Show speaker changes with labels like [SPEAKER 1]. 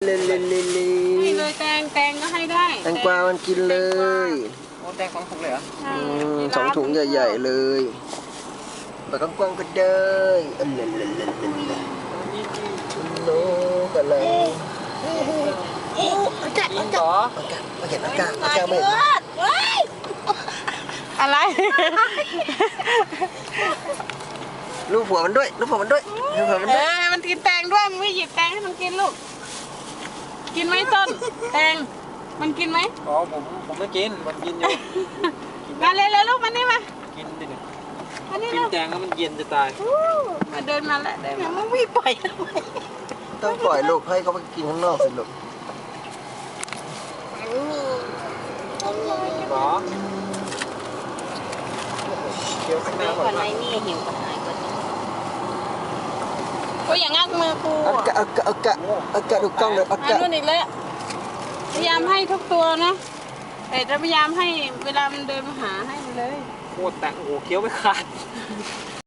[SPEAKER 1] ให้เลยแตงก็ให้ได้
[SPEAKER 2] แตงกวามันกินเลย
[SPEAKER 3] โอ้แตง2 ถุงเลยเหรอ
[SPEAKER 2] 2 ถุงใหญ่ๆเลยปากกว้างๆก็ได้โน้กันเลย
[SPEAKER 3] จริงเหรอ
[SPEAKER 2] มาเห็นอากาศไม่เห็น
[SPEAKER 1] อะไร
[SPEAKER 2] ลูกผัวมันด้วย
[SPEAKER 1] มันกินแตงด้วยมันไม่หยิบแตงให้มันกินลูกกินไหมต้นแตงมันกินไหม
[SPEAKER 3] อ๋อผมไม่กินมันกินอยู่
[SPEAKER 1] มาเลยลูกมานี่มา
[SPEAKER 3] กินดิเนี่ย
[SPEAKER 1] มานี่
[SPEAKER 3] กินแตงแล้วมันเย็นจะตาย
[SPEAKER 1] มาเดินมาแล้วได้ไหมมันไม่ปล่อย
[SPEAKER 2] ต้องปล่อยลูกให้เขาไปกินข้างนอกสิลูก
[SPEAKER 3] หรอเคี้ยวข้างหน้าก่อน
[SPEAKER 1] นี่หิวก็หายก่อนก็อย่างงักมือกู
[SPEAKER 2] อากาศดูกล้องเลยอากาศ
[SPEAKER 1] นู่นอีกแล้วพยายามให้ทุกตัวนะแต่จะพยายามให้เวลามันเดินมาหาให้มันเลย
[SPEAKER 3] โคตรแตงโอ้โหเคี้ยวไม่ขาด